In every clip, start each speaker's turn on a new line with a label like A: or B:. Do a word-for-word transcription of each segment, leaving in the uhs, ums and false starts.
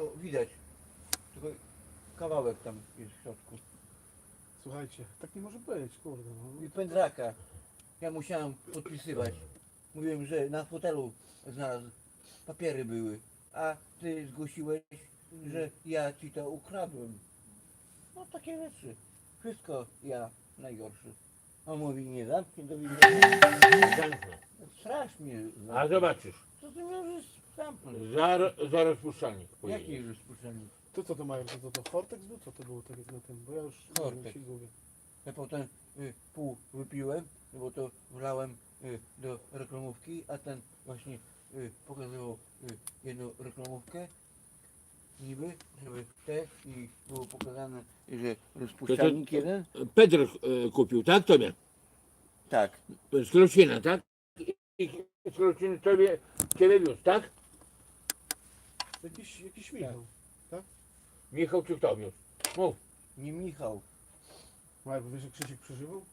A: to widać. Tylko kawałek tam jest w środku.
B: Słuchajcie, tak nie może być, kurde. No.
A: I pędraka. Ja musiałem podpisywać. Mówiłem, że na fotelu znalazł. Papiery były. A ty zgłosiłeś, że ja ci to ukradłem. No takie rzeczy. Wszystko ja najgorszy. On mówi, nie zamknij do widzenia.
C: Zamknę.
A: Strasznie.
C: A zobaczysz,
A: Co ty możesz zamknąć?
C: za, za rozpuszczalnik
A: Jaki
C: pojedzie.
A: rozpuszczalnik?
B: To co to mają? To, to, to Fortex był? Co to było tak jak na tym? Bo ja już nie wiem,
A: Fortex.
B: się gubię.
A: Ja potem y, pół wypiłem, no bo to wlałem y, do reklamówki, a ten właśnie y, pokazywał y, jedną reklamówkę, niby, żeby te i było pokazane, że rozpuszczalnik jeden.
C: Pedro e, kupił, tak tobie?
A: Tak,
C: Z Krocina, tak? I z Krociny tobie, ciebie wiózł, tak?
B: Jakiś, jakiś Michał.
C: Michał czy kto wiózł? Mów.
A: nie Michał.
B: Marek, wiesz, że Krzysiek przeżywał?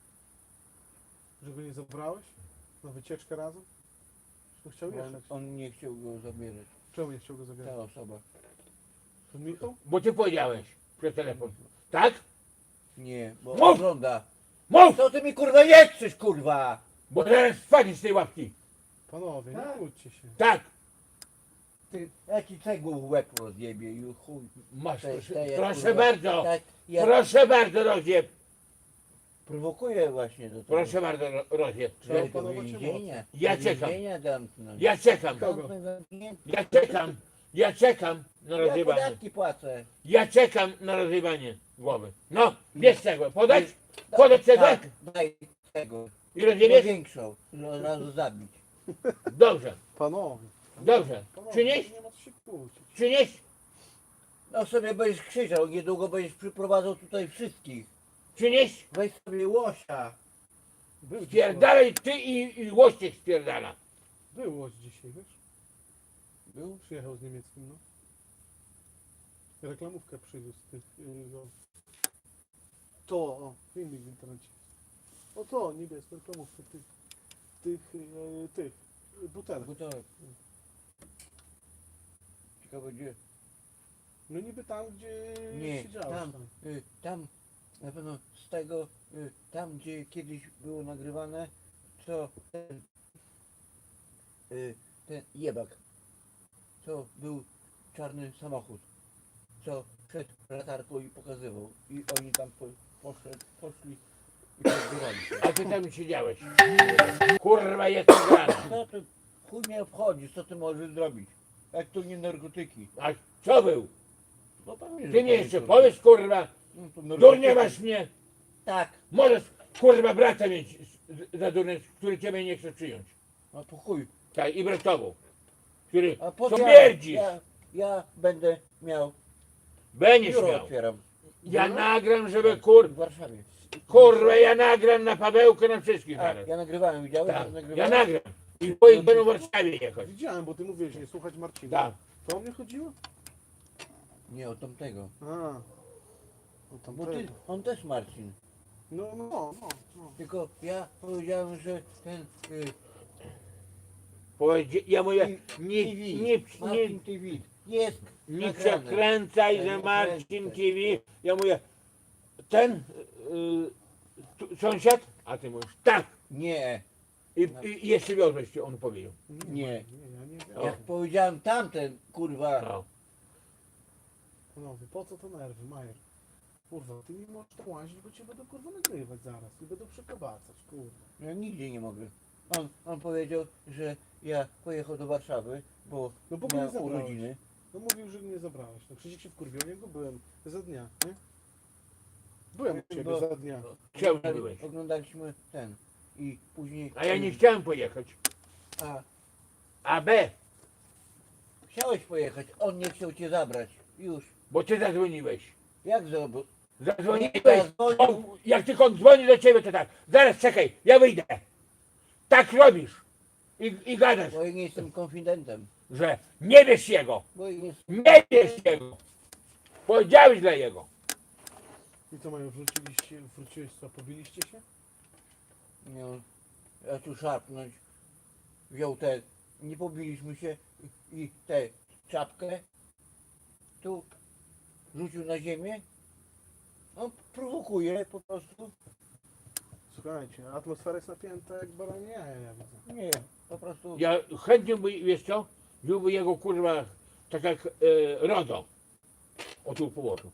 B: Że go nie zabrałeś? Na wycieczkę razem? Że chciał
A: On,
B: jechać.
A: on nie chciał go zabierać,
B: Czemu nie chciał go zabierać?
A: ta osoba.
B: To Michał?
C: Bo ty powiedziałeś przez telefon. Tak?
A: Nie, bo
C: Mów!
A: ogląda.
C: Mów!
A: Co ty mi kurwa nie krzyż, kurwa?
C: Bo teraz spadniesz z tej łapki.
B: Panowie, nie
A: Tak.
B: kłóćcie się.
C: Tak.
A: Ty, ja ci cegłą w łeb rozjebie i chuj.
C: Masz,
A: Te-
C: proszę,
A: te jak,
C: proszę
A: kurwa,
C: bardzo.
A: Tak, ja
C: Proszę bardzo, rozjeb.
A: prowokuję właśnie do tego.
C: Proszę bardzo, ro- rozjeb.
A: Trzeba do
B: opanować
A: więzienia.
C: Ja
A: do
C: czekam.
A: więzienia zamknąć.
C: Ja czekam.
B: Kogo?
A: Zamknąć, zamknięty.
C: Ja czekam. Ja czekam na
A: Ja
C: rozjebanie.
A: podatki płacę.
C: Ja czekam na rozjebanie głowy. No, bierz cegłę. Podać? Podać cegłę?
A: Tak, daj tego.
C: I rozjebiesz?
A: Większą, żeby od razu zabić.
C: Dobrze.
B: Panowie.
C: Dobrze.
B: Panowie,
C: Przynieś?
B: nie ma co się kłócić.
C: Przynieś?
A: No sobie będziesz krzyczał, niedługo będziesz przyprowadzał tutaj wszystkich.
C: Przynieś?
A: Weź sobie łosia.
B: Był dzisiaj.
C: Spierdalaj ty i, i łościek spierdala.
B: Był Łódź dzisiaj, wiesz?
A: Był?
B: Przyjechał z niemieckim, no. Reklamówkę przywiózł z tych... Yy, no. To, o, filmik w internecie. O to, niebieską reklamówkę tych... Tych, yy, tych, yy, butelek.
A: Gotowe. Ciekawe gdzie?
B: No niby tam, gdzie
A: Nie,
B: siedziałeś
A: tam,
B: tam.
A: y, tam na pewno z tego, y, tam gdzie kiedyś było nagrywane, co ten, y, ten jebak, co był czarny samochód, co przed latarką i pokazywał i oni tam po, poszedł, poszli i pozbierali się.
C: A ty tam siedziałeś. Kurwa, jest grana.
A: Co ty, chuj mnie obchodzi, co ty możesz zrobić, jak to nie narkotyki.
C: A co był?
A: No pan wie,
C: Ty
A: że
C: mi
A: to
C: jeszcze
A: nie
C: powiesz, kurwa,
A: no to
C: durnie
A: narkotyki.
C: masz mnie.
A: Tak,
C: Możesz, kurwa, brata mieć z- za durny, który ciebie nie chce przyjąć.
A: no to chuj.
C: Tak, i bratową, który
A: A po co
C: śmierdzisz.
A: ja, ja będę miał,
C: Będziesz
A: biuro
C: miał.
A: otwieram
C: Ja nagram, żeby
A: w
C: kur...
A: Warszawie.
C: Kurwa, ja nagram na Pawełkę na wszystkich
A: A,
C: zaraz.
A: ja nagrywałem, widziałeś?
C: Tak,
A: Ja
C: ja
A: nagrywałem?
C: nagram. I twoich będą w Warszawie jechać.
B: Widziałem, bo ty mówiłeś, nie słuchać Marcina.
C: Tak.
B: To o mnie chodziło?
A: Nie, o tamtego.
B: A. O tam
A: Bo ty, on też Marcin.
B: No, no, no, no.
A: Tylko ja powiedziałem, że ten y,
C: Powiedz, ja mówię,
A: T V,
C: nie, nie, nie,
A: Marcin T V jest
C: nie
A: nagrane.
C: przekręcaj,
A: Nie
C: że Marcin
A: przekręcaj.
C: T V. Ja mówię, ten y, tu, sąsiad? A ty mówisz, tak.
A: Nie,
C: I, i jeszcze wiozłeś, on powiedział.
A: Nie.
B: Nie, ja nie wiem.
C: O.
A: jak powiedziałem tamten, kurwa,
C: No.
B: Panowie, po co to nerwy, Majer? Kurwa, ty nie możesz tam łazić, bo cię będą kurwa nagrywać zaraz i będą przekabacać, kurwa.
A: ja nigdzie nie mogę. On, on powiedział, że ja pojechał do Warszawy, bo
B: No bo go nie
A: miał
B: zabrałeś.
A: urodziny.
B: No mówił, że mnie zabrałeś. No Krzysiek się wkurwił, niego byłem za dnia, nie? Byłem u ciebie
A: Bo-
B: za dnia.
C: Czemu
A: Oglądali-
C: byłeś?
A: Oglądaliśmy ten i później...
C: A ja nie chciałem pojechać.
A: A,
C: A B,
A: chciałeś pojechać, on nie chciał cię zabrać. Już.
C: bo ty zadzwoniłeś.
A: Jak zrobił?
C: Zadzwoniłeś.
A: Zadzwonił.
C: On, jak tylko on dzwoni do ciebie, to tak. Zaraz czekaj, ja wyjdę. Tak robisz. I, i gadasz,
A: Bo ja nie jestem konfidentem.
C: że nie wiesz jego.
A: Bo ja nie
C: Nie wiesz jego. Powiedziałeś dla jego.
B: I co mają, wróciliście, wróciłeś co, pobiliście się?
A: nie, ja tu szarpnąć. Wziął te, nie pobiliśmy się i tę czapkę tu rzucił na ziemię. On prowokuje po prostu.
B: Słuchajcie, atmosfera jest napięta jak baranie jaja, ja widzę.
A: Nie, po prostu.
C: Ja chętnie by, wiesz co, wziąłby jego kurwa, tak jak e, RODO. O tu położył.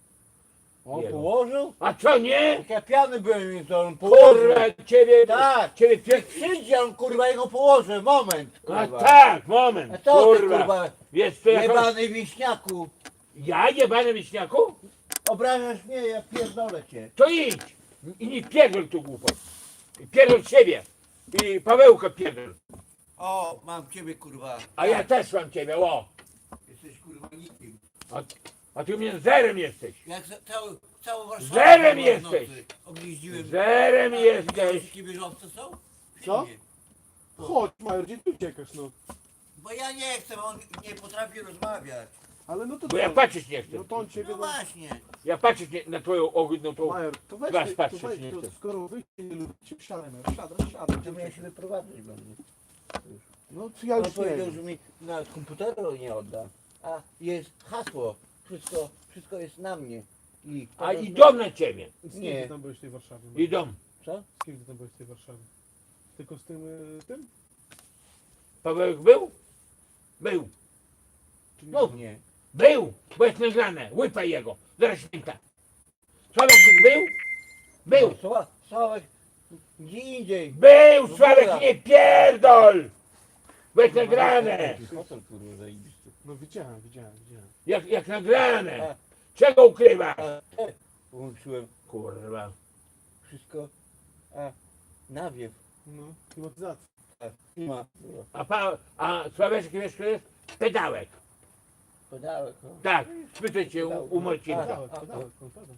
A: On
C: Jego.
A: położył?
C: A co nie?
A: Jak ja piany byłem, więc on położył.
C: Kurwa, ciebie,
A: Tak.
C: ciebie
A: Jak
C: pier...
A: przyjdzie, on kurwa jego położy. Moment,
C: A
A: kurwa.
C: tak, moment,
A: A co ty,
C: kurwa.
A: kurwa,
C: Wiesz co, jak...
A: jebany wiśniaku.
C: Ja jebany wiśniaku?
A: Obrażasz mnie, ja pierdolę cię.
C: To idź i nie pierdol tu głupot. Pierdol siebie i Pawełka pierdol.
A: O, mam ciebie kurwa.
C: A ja też mam ciebie, o.
A: Jesteś kurwa nikim.
C: A, a ty mnie zerem jesteś.
A: Jak za, cały, całą Warszawę
C: Zerem
A: kurwa, w
C: jesteś.
A: nocy Objeździłem.
C: Zerem
A: A
C: jesteś.
A: widziałeś, jakie bieżące są?
B: Co?
A: Nie.
B: Chodź, Major, gdzie ty uciekasz, no?
A: Bo ja nie chcę, on nie potrafi rozmawiać.
B: Ale no to
C: Bo ja
B: co?
C: patrzeć nie chcę.
B: No to on ciebie...
A: No
B: No,
A: właśnie.
C: Ja patrzeć nie, na twoją ohydną tą...
B: Major, to weź,
C: Weź
B: ty,
C: patrzeć
B: to weź
C: nie
B: to,
C: chcę.
B: skoro wyjście nie lubicie, siadaj, Major, siadaj, siadaj.
A: To ja się wyprowadzać będę.
B: No to ja
A: On
B: już nie
A: powiedział,
B: wiem.
A: że mi na komputeru nie odda. A jest hasło. Wszystko, wszystko jest na mnie. I
C: A idą na ciebie.
B: Z kim
A: Nie.
B: ty tam byłeś w tej Warszawie? Major?
C: Idą.
A: Co?
B: Z kim ty tam byłeś w tej Warszawie? Tylko z tym, y, tym?
C: Pawełek był? Był.
B: Czy nie?
C: Mów.
A: Nie.
C: Był. Bo jest nagrane. Łypaj jego. Zaraz święta. Sławek był? Był.
A: Sła- Sławek, gdzie indziej.
C: Był.
A: No
C: Sławek
A: dobra.
C: nie pierdol. Bo jest nagrane.
A: Hotel kurwa zajebisty.
B: No widziałem, widziałem, widziałem.
C: Jak, jak nagrane.
A: A,
C: Czego ukrywasz?
A: a te włączyłem
C: Kurwa.
A: wszystko. A nawiew.
B: No, klimatyzacja.
A: Tak. Nie ma. Było.
C: A, pa, a Sławeczek wiesz kto jest? Pedałek.
A: Pedałek. No.
C: Tak. Spytaj cię u, u Marcinka.
B: Pedałek,
A: a,
B: pedałek, no pedał.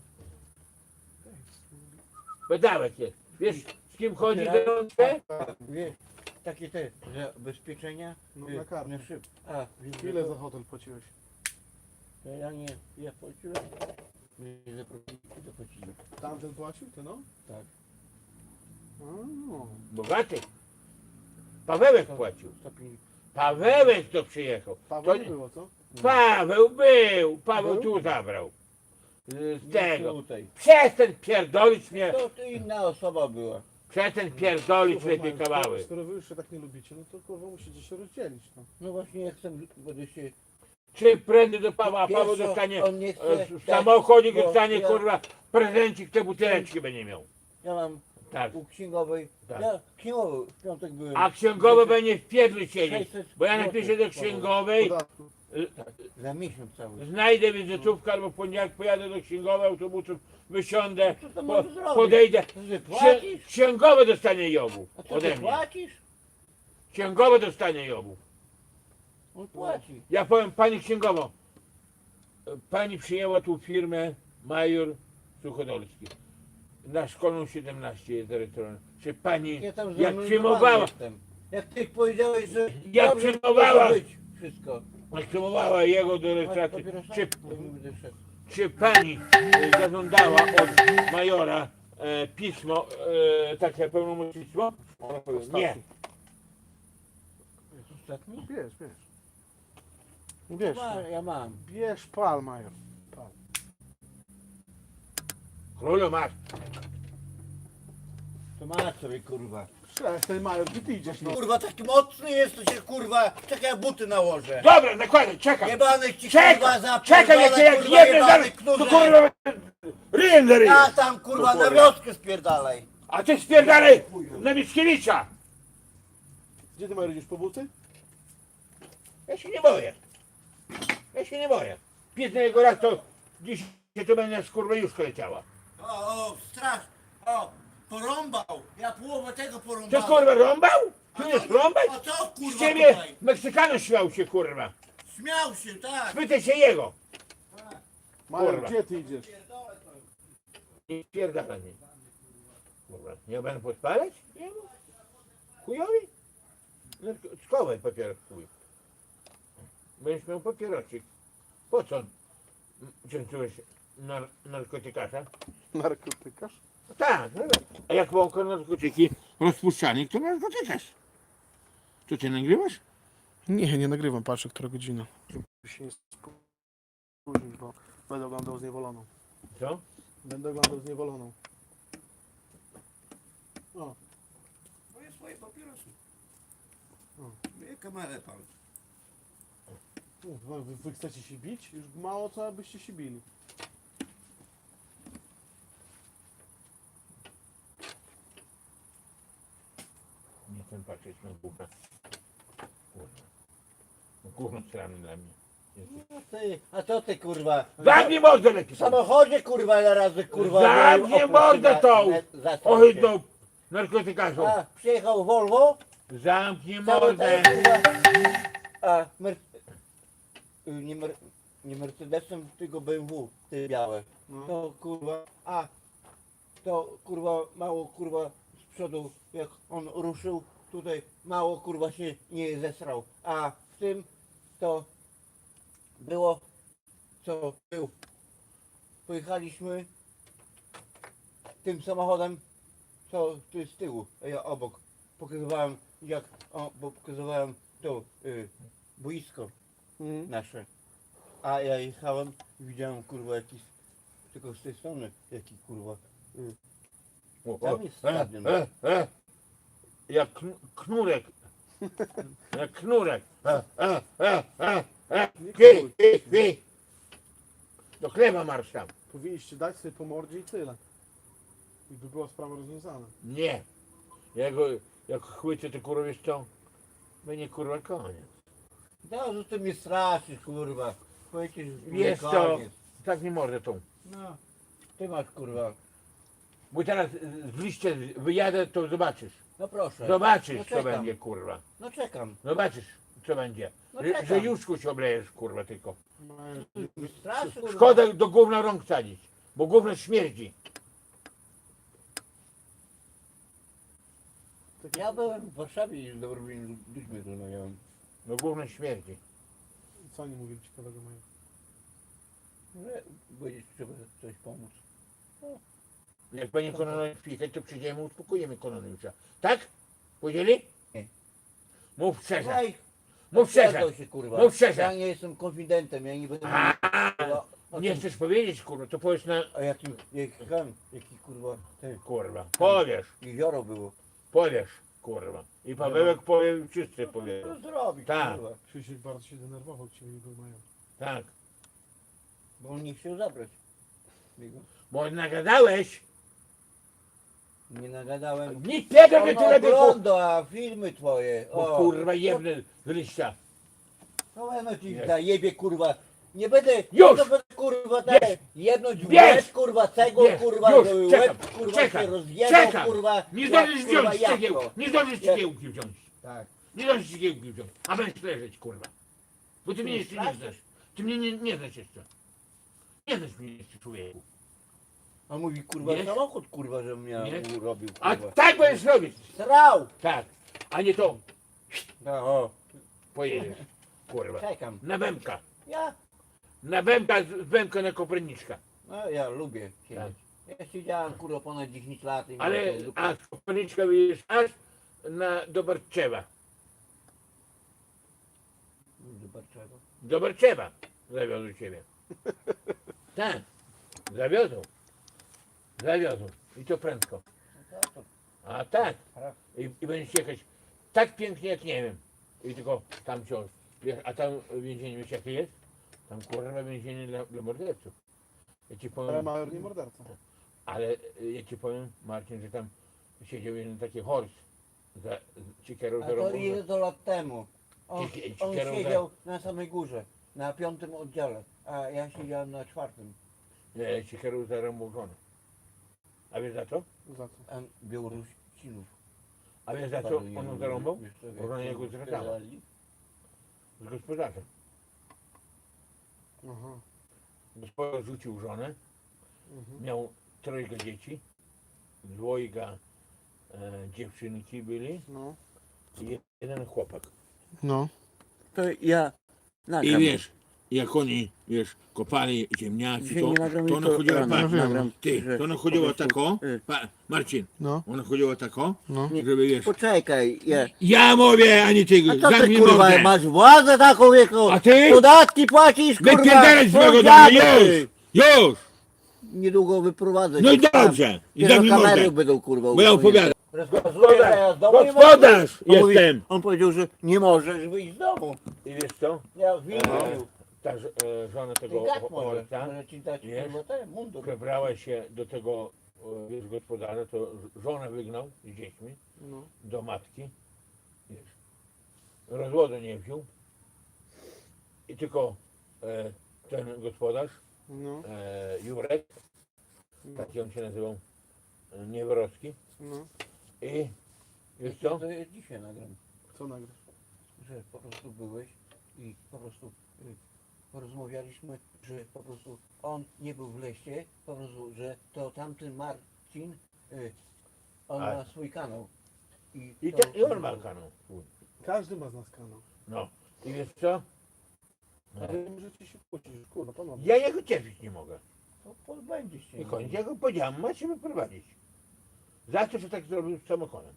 C: Pedałek jest. Wiesz z kim chodzi
A: Otwieraj.
C: do mnie?
A: A, wiesz, takie te zabezpieczenia.
B: No,
A: y,
B: na kartę.
A: na szyb. A, wiesz,
B: Ile
A: to-
B: za hotel płaciłeś?
A: to Ja nie, ja płaciłem. Nie zapłacili, zapłacili.
B: Tamten płacił, ty no?
A: Tak.
B: A, no.
C: Bogaty. Pawełek płacił.
A: sto pięćdziesiąt.
C: Pawełek to przyjechał.
B: Paweł
C: To
B: nie
C: nie-
B: było, co?
C: Paweł był. Paweł
B: Był?
C: tu zabrał. Z
A: Nie
C: tego.
A: Tutaj.
C: Przestań pierdolić mnie.
A: To, to inna osoba była.
C: Przestań pierdolić
B: Słuchaj,
C: lepiej
B: Major,
C: kawały.
B: skoro- Skoro wy już się tak nie lubicie, no to kurwa musicie się rozdzielić, no.
A: No właśnie ja chcę, będę się...
C: Czy prędzej do Pawła, a
A: Wiesz
C: Paweł
A: co,
C: dostanie
A: on nie chce,
C: e, w
A: tak,
C: samochodzie
A: bo
C: dostanie
A: ja-
C: kurwa prezencik, te buteleczki będzie miał.
A: Ja mam
C: Tak.
A: u księgowej...
C: Tak.
A: Ja księgowy w piątek byłem.
C: A księgowy będzie w pierdlu siedzieć.
A: sześćset
C: Bo ja
A: złotych
C: napiszę do księgowej,
B: Podatku.
A: Za miesiąc cały.
C: znajdę wizytówkę albo w poniedziałek pojadę do księgowej autobusem, wysiądę,
A: Co to
C: po,
A: możesz zrobić?
C: podejdę.
A: To ty
C: Księ,
A: płacisz?
C: księgowy dostanie jobu
A: A co ty
C: ode mnie.
A: płacisz?
C: Księgowy dostanie jobu.
A: On płaci.
C: Ja powiem pani księgowo, pani przyjęła tu firmę Major Suchodolski. Na szkolną siedemnaście jest zarejestrowana. Czy pani,
A: Ja tam
C: jak
A: zameldowana
C: przyjmowała,
A: jestem. Jak ty powiedziałeś, że...
C: Jak
A: dobrze
C: przyjmowała-
A: może być wszystko.
C: jak przyjmowała jego do
A: Masz
C: rejestracji,
A: papierosa?
C: czy,
A: Bo nie będę szedł.
C: czy pani e, zażądała od Majora e, pismo, e, takie pełnomocnictwo? Nie.
A: Ostatni?
B: Bierz, bierz. Bierz,
A: Ma,
B: no.
A: ja mam.
B: Bierz pal, Major. Pal.
C: Królu masz.
A: To masz sobie kurwa.
B: Przestań, Major, gdzie ty idziesz, no?
A: Kurwa taki mocny jest, to się kurwa... Czekaj, ja buty nałożę.
C: Dobra, nakładaj, czekaj.
A: Jebany ci
C: Czekaj,
A: kurwa za
C: czekaj, jak cię jak jebnę zaraz, to kurwa ryjem za ryjem.
A: Ja tam kurwa na wioskę spierdalaj.
C: A ty spierdalaj na Mickiewicza.
B: Gdzie ty, Major, idziesz po buty?
C: Ja się nie boję. Ja się nie boję. Piętny jego raz to dziś to będzie z kurwa już leciała.
A: O, o, strasz. O, porąbał. Ja połowę tego
C: Ty
A: porąbałem.
C: kurwa rąbał? Ty
A: A
C: nie
A: co-
C: rąbać?
A: A co
C: Z
A: kurwa
C: ciebie
A: tutaj?
C: Meksykanów śmiał się kurwa.
A: Śmiał się, tak.
C: Spytaj się jego.
B: Major,
C: Kurwa.
B: gdzie ty idziesz?
C: Nie spierdala mnie. Kurwa, nie będę podpalać? Nie no. Chujowi? No, schowaj papierek chuj. Będziesz miał papierosik. Po co częstujesz nar narkotykasza?
B: Narkotykarz?
C: Tak, no, a jak wąko narkotyki rozpuszczalnik, to narkotykarz. To ty nagrywasz?
B: Nie, nie nagrywam, patrzę, która godzina. później, bo będę oglądał Zniewoloną.
C: Co?
B: Będę oglądał Zniewoloną. O,
A: Moje swoje papierosy.
B: O.
A: Moje kamerę pan.
B: wy, wy, wy chcecie się bić? Już mało co, abyście się bili.
C: Nie chcę patrzeć na gówno. Kurwa. No gówno strany dla mnie. Jesteś-
A: No ty, a co ty kurwa?
C: Zamknij mordę lepiej!
A: W samochodzie kurwa ile razy kurwa.
C: Zamknij
A: miałem
C: mordę
A: oprócz
C: tą!
A: na- za- za-
C: Ohydną narkotykarzą!
A: A, przyjechał Volvo,
C: Zamknij
A: cały
C: mordę!
A: ten, kurwa, a, mer... y, nie, mer... nie Mercedesem, tylko B M W, ty białe.
B: No.
A: To kurwa, a, to kurwa mało kurwa z przodu, jak on ruszył, tutaj mało kurwa się nie zesrał, a w tym to było, co był. Pojechaliśmy tym samochodem, co tu jest z tyłu, a ja obok. Pokazywałem jak, o, bo pokazywałem to y, boisko
B: Mhm.
A: nasze. A ja jechałem i widziałem kurwa jakiś, tylko z tej strony, jaki kurwa. Y,
C: O,
A: Tam
C: o,
A: jest
C: e,
A: stadion.
C: e, e. Jak kn- knurek. Jak knurek. E, e, e, e, e.
B: Nie
C: Wi,
B: knuj.
C: wi, wi. Do chleba marsz tam.
B: Powinniście dać sobie po mordzie i tyle. I by była sprawa rozwiązana.
C: Nie. Jak, go- jak chwycę to kurwa wiesz co? Będzie kurwa koniec.
A: No, że ty mnie straszysz kurwa. Powiecie, że
C: Wiesz
A: to
C: co?
A: koniec.
C: Tak nie może tą.
A: No, ty masz kurwa.
C: Bo teraz z liście wyjadę, to zobaczysz.
A: No proszę.
C: Zobaczysz
A: No
C: co
A: czekam.
C: będzie kurwa.
A: No czekam.
C: Zobaczysz co będzie.
A: No
C: Że,
A: czekam.
C: że juszku się oblejesz kurwa tylko.
A: Ty mnie straszysz kurwa.
C: Szkoda do gówna rąk sadzić. Bo gówno śmierdzi.
B: Tak
A: Ja byłem w Warszawie i z dobrymi ludźmi rozmawiałem.
C: No gówno śmierdzi.
B: Co oni mówili ciekawego mają?
A: Że będzie trzeba coś pomóc.
C: Jak będzie Kononowicz przyjechać, to przyjdziemy, uspokojimy Kononowicza. Tak? Powiedzieli?
A: Nie.
C: Mów szczerze.
A: Słuchaj,
C: Mów szczerze.
A: pierdol się kurwa.
C: Mów szczerze.
A: Ja nie jestem konfidentem, ja nie będę
C: A,
A: kurwa, o
C: nie
A: tym-
C: chcesz powiedzieć, kurwa, to powiesz na...
A: A jakim, jaki, jaki kurwa, ten,
C: Kurwa, powiesz,
A: jezioro było.
C: powiesz, kurwa. I Pawełek powie, wszyscy powiedzą.
A: Co zrobić
C: Tak.
A: kurwa?
B: Krzysiek bardzo się denerwował, ciebie go mają.
C: Tak.
A: Bo on nie chciał zabrać. Jego.
C: Bo nagadałeś,
A: Nie nagadałem.
C: nic tego, że
A: On
C: tyle było.
A: ogląda filmy twoje.
C: Bo
A: O,
C: kurwa jebny z liścia.
A: No no ci
C: Nie.
A: zajebie kurwa. Nie będę,
C: Już!
A: to będę kurwa
C: Wiesz!
A: tak jedność w
C: Wiesz!
A: łeb kurwa cegą
C: Wiesz!
A: kurwa,
C: Już!
A: żeby
C: Czekam!
A: łeb kurwa
C: Czekam!
A: się rozjebał
C: Czekam!
A: kurwa.
C: Nie
A: jak,
C: zdążysz
A: kurwa,
C: wziąć
A: jabłko.
C: cegiełki, nie zdążysz
A: Jak-
C: cegiełki wziąć.
A: Tak.
C: Nie zdążysz cegiełki wziąć, a będziesz leżeć, kurwa. Bo ty mnie
A: Ty
C: jeszcze nie
A: straszysz?
C: znasz. Ty mnie nie, nie znasz jeszcze. Nie znasz mnie jeszcze, człowieku.
A: On mówi kurwa
C: Wiesz?
A: samochód kurwa, żebym ja
C: Nie?
A: mu robił
C: A
A: kurwa.
C: tak będziesz robić.
A: Srał!
C: Tak. A nie to
A: No, o,
C: pojedziesz, kurwa.
A: czekam.
C: Na bębka.
A: Ja,
C: Na bębka, z bębka na Koperniczka.
A: no ja lubię siedzieć. Ja siedziałem kurwa ponad dziesięć lat i
C: Ale,
A: miałem tą dupę.
C: a z Koperniczka wyjedziesz aż na, do Barczewa.
A: Zobaczego.
C: Do Barczewa zawiozą ciebie. Tak. Zawiozą. Zawiozą. I to prędko.
A: No to, to,
C: A tak.
A: Prawda.
C: I, i będziesz jechać tak pięknie jak nie wiem. I tylko tam ciąż. Wiesz, a tam więzienie wiesz jakie jest? Tam kurwa więzienie dla, dla morderców. Ja ci
B: Ale
C: powiem,
B: major nie morderca.
C: ale y, ja ci powiem Marcin, że tam siedział jeden taki horst za ci kierał
A: A
C: za
A: to
C: robą.
A: ile to lat temu? On,
C: Ci- ci
A: on
C: kierowca-
A: siedział na samej górze, na piątym oddziale, a ja siedziałem na czwartym.
C: Nie, ci kierał za robą żonę. A wiesz za co?
B: Za co?
A: A Białorusinów.
C: A wiesz za co on zarąbał?
A: Wiesz co,
C: Bo żona jego zdradzała.
A: strzelali?
C: Z gospodarzem.
B: Aha.
C: Gospodarz rzucił żonę,
B: Mhm.
C: miał trojga dzieci, dwojga e, dziewczynki byli
B: No.
C: i jeden chłopak.
B: No.
A: To ja
C: I wiesz, jak oni, wiesz, kopali ziemniaki,
A: Dzisiaj
C: to,
A: nie nagram
C: to
A: i
C: ona
A: to
C: chodziła,
A: rano
C: patrz,
A: nagram,
C: ty,
A: że
C: to ona
A: po
C: chodziła
A: prostu,
C: tako,
A: y.
C: pa, Marcin,
B: No,
C: ona chodziła tako,
B: no.
A: Nie.
C: żeby, wiesz,
A: Poczekaj, je.
C: ja mówię, ani ty,
A: A co ty
C: zamknij
A: kurwa
C: mordę.
A: masz władzę taką wieku?
C: A ty?
A: Podatki płacisz kurwa!
C: Wypierdalaj z mojego domu,
A: sąsiady,
C: już,
A: ty.
C: już,
A: Niedługo wyprowadzę
C: no
A: cię
C: i
A: tam.
C: dobrze, i
A: Kiedy
C: zamknij
A: kamery
C: mordę,
A: będą kurwa
C: bo ja opowiadam.
A: Rozkazuję teraz do mnie,
C: Gospodarz
A: on mówi-
C: jestem.
A: On powiedział, że nie możesz wyjść z domu.
C: I wiesz co?
A: Ja w
C: E, ta ż- e, żona
A: Ty
C: tego
A: gad
C: o-
A: może,
C: ojca
A: może ci dać
C: wiesz?
A: kurwa ten mundur.
C: przebrała się do tego, e, wiesz, gospodarza, to żonę wygnał z dziećmi
B: No.
C: do matki, wiesz, rozwodu nie wziął i tylko e, ten gospodarz,
B: No.
C: e, Jurek, taki on się nazywał, e, Niewerowski,
B: No.
C: i wiesz co?
A: To ja dzisiaj nagram,
B: Co nagrasz?
A: że po prostu byłeś i po prostu y, porozmawialiśmy, że po prostu on nie był w lesie, po prostu, że to tamten Marcin, y, on
C: A.
A: ma swój kanał. I,
C: I,
A: to-
C: ten, i on ma kanał swój.
B: Każdy ma z nas kanał.
C: No. I wiesz co? No.
B: Ale możecie się kłócić, kurwa, panowie.
C: Ja jego cierpieć nie mogę.
A: To pozbędziesz się.
C: I koniec. Ja go powiedziałem, ma się wyprowadzić. Za co, że tak zrobił z samochodem?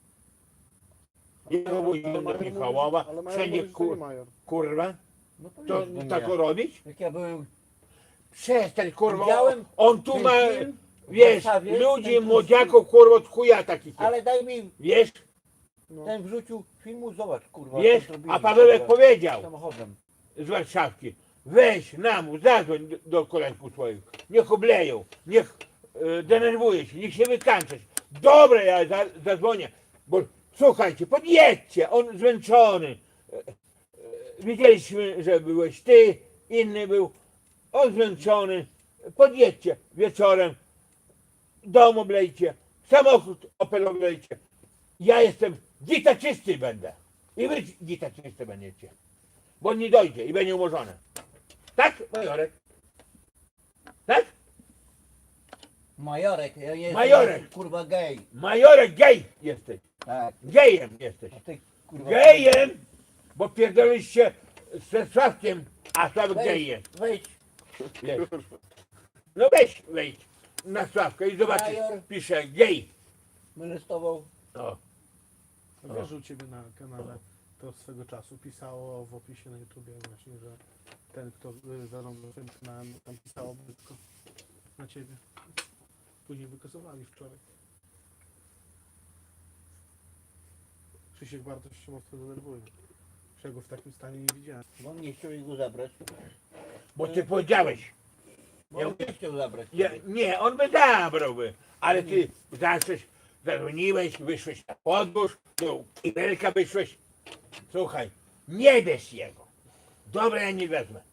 C: Ja go woziłem do
B: Major
C: Michałowa,
B: mówi- ale Major
C: wszędzie
B: mówi, że to nie
C: kur,
B: Major.
C: kurwa,
A: No
C: to
A: powiedz, bo
C: tak
A: nie.
C: robić?
A: Jak ja byłem
C: Przestań, kurwa,
A: Widziałem
C: on tu
A: ten
C: ma,
A: film w
C: wiesz,
A: Warszawie,
C: ludzi,
A: ten
C: młodziaków, kurwa, od chuja takich,
A: ale daj mi
C: wiesz,
B: No.
A: ten wrzucił filmu, zobacz kurwa.
C: wiesz,
A: co zrobili,
C: a Pawełek
A: kurwa,
C: powiedział
A: samochodem.
C: z Warszawki, weź nam, zadzwoń do, do kolegów swoich, niech obleją, niech e, denerwuje się, niech się wykańczać. Dobra, ja za, zadzwonię, bo słuchajcie, podjedźcie, on zmęczony. E, e, Widzieliśmy, że byłeś ty, inny był, on zmęczony, podjedźcie wieczorem, dom oblejcie, samochód Opel oblejcie. Ja jestem dzita czysty będę i wy dzita czysty będziecie, bo on nie dojdzie i będzie umorzone. Tak, Majorek? Tak?
A: Majorek, ja nie jestem
C: Majorek.
A: kurwa gej.
C: Majorek gej jesteś,
A: Tak.
C: gejem jesteś.
A: A ty kurwa.
C: Gejem, bo pierdoliście ze Sławkiem, a Sławek gej jest.
A: Wejdź.
C: Wiesz. No weź, wejdź na Sławkę i zobaczysz,
A: Major.
C: pisze gej.
A: Molestował.
C: O,
B: A wiesz, że u Ciebie na kanale to swego czasu pisało w opisie na YouTubie właśnie, że ten, kto y, zarządzał tym kanałem, tam pisało brzydko na Ciebie. Później wykazowali wczoraj. Krzysiek bardzo się mocno denerwuje. Że ja go w takim stanie nie widziałem.
A: Bo on nie chciał go zabrać.
C: bo ty powiedziałeś.
A: Bo
C: Ja
A: on nie chciał zabrać.
C: Ja, nie, on by zabrałby, ale ty zacząłeś, zadzwoniłeś, wyszłeś na podwórz, do kibelka wyszłeś. Słuchaj, nie bierz jego. Dobra, ja nie wezmę.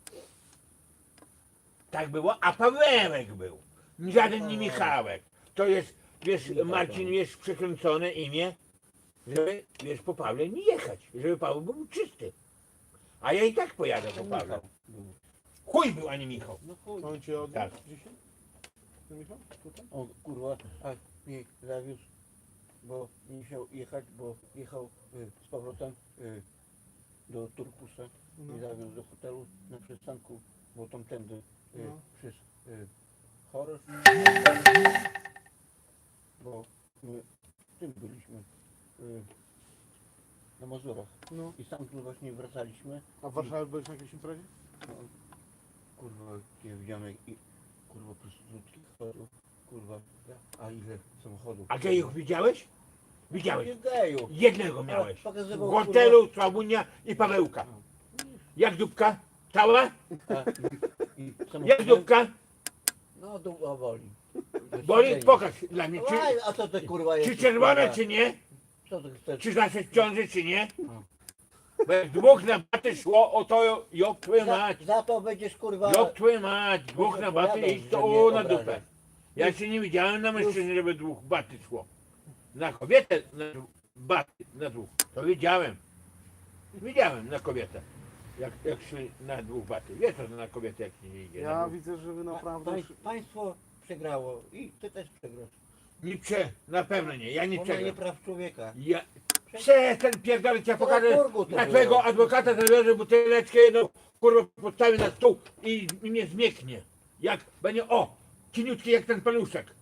C: Tak było, a Pawełek był. Żaden nie Michałek. To jest, wiesz, Marcin, wiesz, przekręcone imię, żeby, wiesz, po Pawle nie jechać, żeby Paweł był czysty. A ja i tak pojadę po Pawle.
A: Michał był.
C: Chuj był, a nie Michał.
A: No chuj.
B: On Cię oddał
C: Tak.
B: dzisiaj? No Michał? Tutaj?
A: O kurwa, a mnie zawiózł, bo nie chciał jechać, bo jechał y, z powrotem y, do Turkusa
B: No.
A: i zawiózł do hotelu na przystanku, bo tamtędy y,
B: No.
A: przez y, Chorosz, bo my w tym byliśmy y, na Mazurach
B: No.
A: i stamtąd właśnie wracaliśmy.
B: A w Warszawie byłeś na jakiejś imprezie?
A: No, kurwa, ja widziałem jak i, kurwa prostytutki chodzą, kurwa, a ile samochodów.
C: A gejów widziałeś? Widziałeś.
A: Nie geju.
C: Jednego miałeś.
A: Pokazywał,
C: W hotelu Słabunia i Pawełka. Jak dupka? Cała?
A: A, i, i
C: Jak
A: samochodem-
C: dupka?
A: No dupa boli.
C: Boli? Pokaż dla mnie. Czy,
A: Aj, a co ty kurwa
C: czy
A: jesteś,
C: czerwone,
A: kurwa?
C: czy nie?
A: Co ty chcesz?
C: Czy nasze w ciąży, czy nie?
A: No.
C: Bo jak dwóch na baty szło, o to jok twoją
A: Za,
C: mać.
A: za to będziesz kurwa...
C: Jok twoją mać. Dwóch
A: Może
C: na baty
A: powiadam,
C: i
A: że
C: to
A: mnie
C: o na
A: obrażasz.
C: dupę. Ja jeszcze nie widziałem na mężczyźnie, żeby dwóch baty szło. Na kobietę na baty, na dwóch. To widziałem. Widziałem na kobietę. Jak, jak szli na dwóch baty. Wiesz co to na kobietę jak się nie idzie. na
B: Ja
C: dwóch.
B: widzę, że Wy
A: Pa,
B: naprawdę...
A: pań, państwo przegrało i ty też przegrasz.
C: Nie prze, na pewno nie, ja nie
A: Ona nie
C: przegram.
A: praw człowieka.
C: Ja przestań pierdolić, ja
A: To
C: pokażę
A: na Turgu to
C: na
A: było.
C: twojego adwokata zabiorę buteleczkę jedną, kurwa postawię na stół i, i mnie zmieknie. Jak będzie, o, cieniutki jak ten paluszek.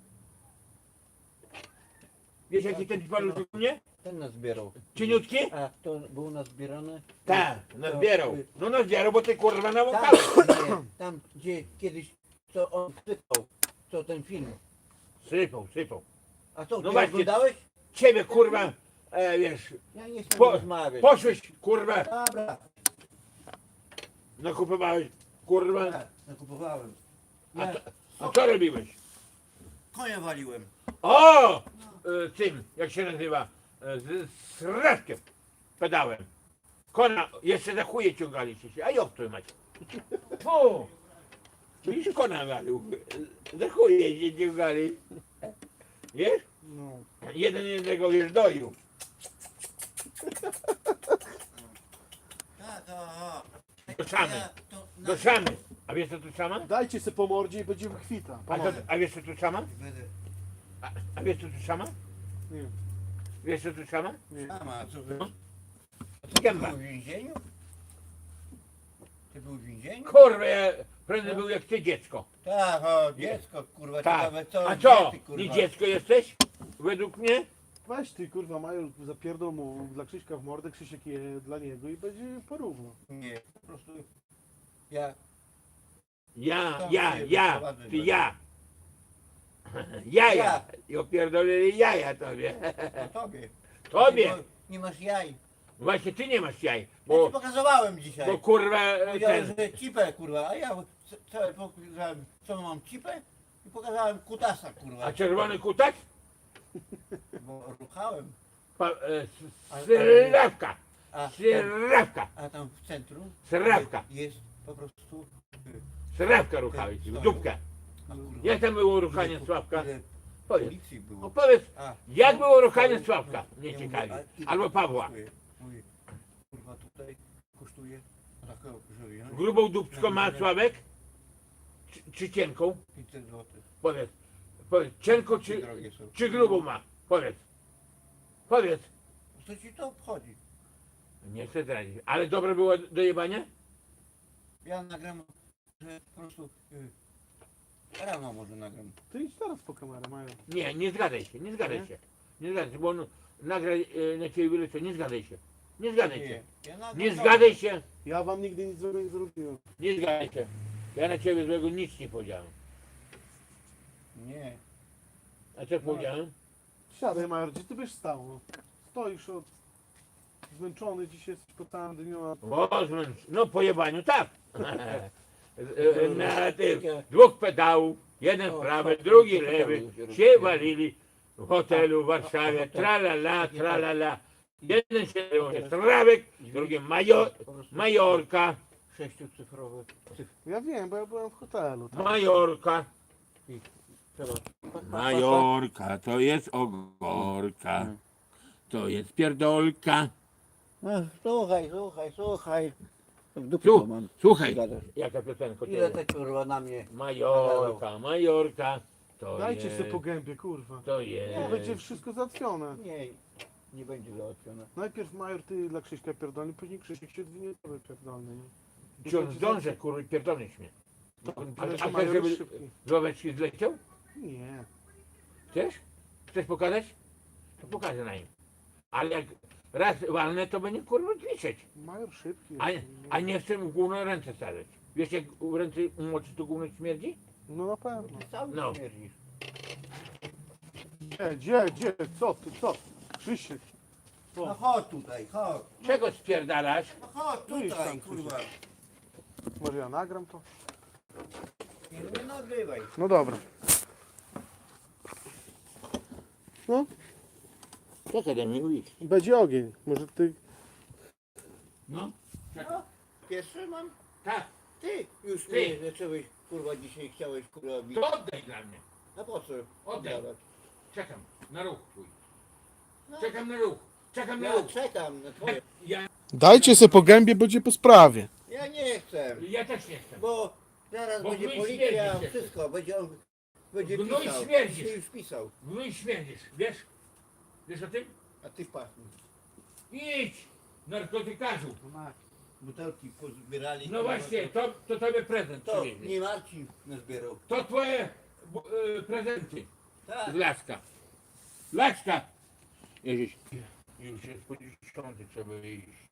C: Wiesz jaki ten paluszek u mnie?
A: Ten nazbierał.
C: Cieniutki?
A: A to był nazbierany?
C: Tak,
A: To-
C: nazbierał.
A: y,
C: No nazbierał, bo ty kurwa
A: Tam,
C: nawąchałeś.
A: nie, tam gdzie kiedyś, co on sypał, co ten film.
C: Sypał, sypał.
A: A co,
C: No
A: ty
C: właśnie.
A: oglądałeś?
C: Ciebie kurwa, e, wiesz,
A: Ja nie chcę
C: po,
A: rozmawiać.
C: poszłeś kurwa,
A: Dobra,
C: nakupowałeś kurwa.
A: tak, nakupowałem.
C: A,
A: Ja
C: co- a co robiłeś?
A: konia waliłem.
C: O! E, tym, jak się nazywa? E, z, z reszkiem pedałem. Kona, jeszcze za chuje ciągaliście się, a jak to macie? O! Widzisz, kona walił. Za chuje się ciągali. Wiesz?
B: No.
C: Jeden jednego wiesz doił.
A: Tak, aha.
C: Do szamy.
A: Ja to na-
C: Do szamy. A wiesz co tu szama?
B: Dajcie se po mordzie i będzie kwita.
C: A, to, a wiesz co tu szama?
A: Będę.
C: A, a wiesz co tu szama?
B: Nie,
C: Wiesz co tu szama?
B: nie.
A: Mama, co wy?
C: No.
A: A ty
C: Gęba.
A: był w więzieniu? Ty był w więzieniu?
C: Kurwa, ja prędzej był jak ty dziecko.
A: Tak, o, dziecko, kurwa,
C: Tak.
A: ciekawe co.
C: A co?
A: gdzie ty, kurwa?
C: Nie dziecko jesteś? Według mnie?
B: Weź ty kurwa Major, zapierdol mu dla Krzyśka w mordę, Krzysiek je dla niego i będzie porówno.
A: Nie, po prostu ja
C: Ja,
A: Tam
C: ja,
A: się
C: ja,
A: wyprowadzę
C: ty
A: będę.
C: ja. Jaja.
A: Ja.
C: I opierdolili jaja tobie.
A: o tobie.
C: Tobie.
A: Bo nie masz jaj.
C: Właśnie ty nie masz jaj.
A: Ja ci
C: Bo,
A: pokazywałem dzisiaj.
C: bo kurwa
A: Powiedziałem,
C: ten.
A: że cipę, kurwa, a ja c- całe pokazałem, co mam cipę i pokazałem kutasa, kurwa.
C: A czerwony kutak?
A: Bo ruchałem.
C: Pa, e, s-
A: Ale-
C: Sylawka.
A: A, tam,
C: Sylawka.
A: a tam w centrum
C: Sylawka.
A: jest po prostu...
C: Sylawka ruchałeś. W dupkę.
A: A, kurwa,
C: Jak tam było ruchanie
A: ile-
C: Sławka?
A: ile
C: Powiedz.
A: policji było.
C: Opowiedz.
A: A,
C: Jak było ruchanie
A: no,
C: Sławka?
A: no,
C: Mnie
A: ja
C: ciekawi.
A: mówię, a ile
C: Albo
A: to
C: Pawła.
A: kosztuje? Mówię, kurwa, tutaj kosztuje takiego, że wziąć
C: Grubą dupczką ma Sławek? Czy, czy cienką?
A: pięćset złotych.
C: Powiedz. Powiedz. Cienką czy,
A: Drogie są.
C: czy grubą ma? Powiedz. Powiedz.
A: Co ci to obchodzi?
C: Nie chcę zdradzić. Ale dobre było do jebania?
A: Ja nagram, że po prostu y, rano może nagram.
B: Ty idź teraz po kamerę Major.
C: Nie, nie zgadaj się, nie zgadaj
B: Nie?
C: się. Nie zgadaj się, bo on nagra e, na ciebie wylecę. Nie zgadaj się. Nie zgadaj się.
A: Nie, ja nagram
C: Nie
A: rano.
C: zgadaj się.
B: Ja wam nigdy nic złego nie zrobiłem.
C: Nie zgadaj się. Ja na ciebie złego nic nie powiedziałem.
A: Nie.
C: A co powiedziałem?
B: Siadaj Major, gdzie ty byś stał? No. Stoisz od... Zmęczony dzisiaj jesteś po całym dniu, a
C: O, zmęcz- no po jebaniu tak. E, e, na tych dwóch pedałów, jeden
A: O,
C: prawy,
A: co-
C: drugi
A: co
C: lewy,
A: pedały się
C: się
A: rozpięły.
C: walili w hotelu w Warszawie, tralala, tralala. Jeden się nazywał Strawek, drugi Major,
A: Po prostu
C: Majorka,
A: sześciocyfrowe cyfry.
B: ja wiem, bo ja byłem w hotelu. Tak?
C: Majorka.
A: Trzeba.
C: Majorka, to jest ogorka, to jest pierdolka.
A: No, słuchaj, słuchaj, słuchaj. W dupie
C: Słuch-
A: to mam.
C: Słuchaj,
A: Gadasz.
C: jaka piosenka
A: Ile
C: to
A: te kurwa na mnie?
C: Majorka, Majorka, to
B: Dajcie
C: jest,
B: sobie po gębie, kurwa.
C: to
B: To
C: jest.
B: będzie wszystko załatwione.
A: Nie, nie będzie załatwione.
B: Najpierw Major ty dla Krzyśka pierdolny, później Krzysiek się dwie tobie pierdolny. nie?
C: Czy on zdąży, kurwa, pierdolniś mnie. A,
B: Tyle, że
C: a chcesz,
B: Major
C: żeby
B: jest szybki.
C: z ławeczki zleciał?
B: Nie.
C: Chcesz? Chcesz pokazać? To pokażę na nim. Ale jak raz walnę, to będzie kurwa liczyć.
B: Major szybki
C: A,
B: jest.
C: a nie chcę mu gówno ręce stawiać. Wiesz jak w ręce umoczy to gówno śmierdzi?
B: No na pewno.
A: Ty cały
C: No.
A: śmierdzisz.
B: Gdzie, gdzie, gdzie? Co ty, co? Krzysiek.
A: No chodź tutaj, chodź.
C: Czego spierdalasz?
A: No chodź
B: Tu idź
A: tutaj,
B: tam,
A: kurwa.
B: Może ja nagram to?
A: Nie, nie nagrywaj.
B: No dobra. No,
C: Co ty do mnie mówisz?
B: będzie ogień. Może ty...
C: No.
A: No, pierwszy mam.
C: Tak,
A: Ty już
C: Ty.
A: mnie zacząłeś, kurwa, dzisiaj chciałeś, kurwa, bić.
C: to oddaj dla mnie.
A: No po co?
C: Oddaj.
A: oddawać?
C: Czekam na ruch twój.
A: No,
C: Czekam na ruch. Czekam na
A: ja
C: ruch.
A: czekam na twoje.
C: Ja,
B: Dajcie se po gębie, będzie po sprawie.
A: Ja nie chcę,
C: ja też nie chcę.
A: bo zaraz
C: Bo
A: będzie
C: wy
A: policja,
C: śmierdzicie.
A: wszystko, będzie on, będzie
C: No i
A: pisał.
C: śmierdzisz.
A: Ty już pisał,
C: No i śmierdzisz, wiesz? Wiesz o tym?
A: a ty pachnij.
C: Idź, narkotykarzu.
A: No masz. butelki pozbierali.
C: No właśnie, to, to tobie prezent
A: To
C: przywieźli.
A: nie Marcin nazbierał.
C: To twoje bu- y, prezenty
A: Tak.
C: z Laska. Laska! Jeździć. Już jest po dziesiątej, trzeba iść.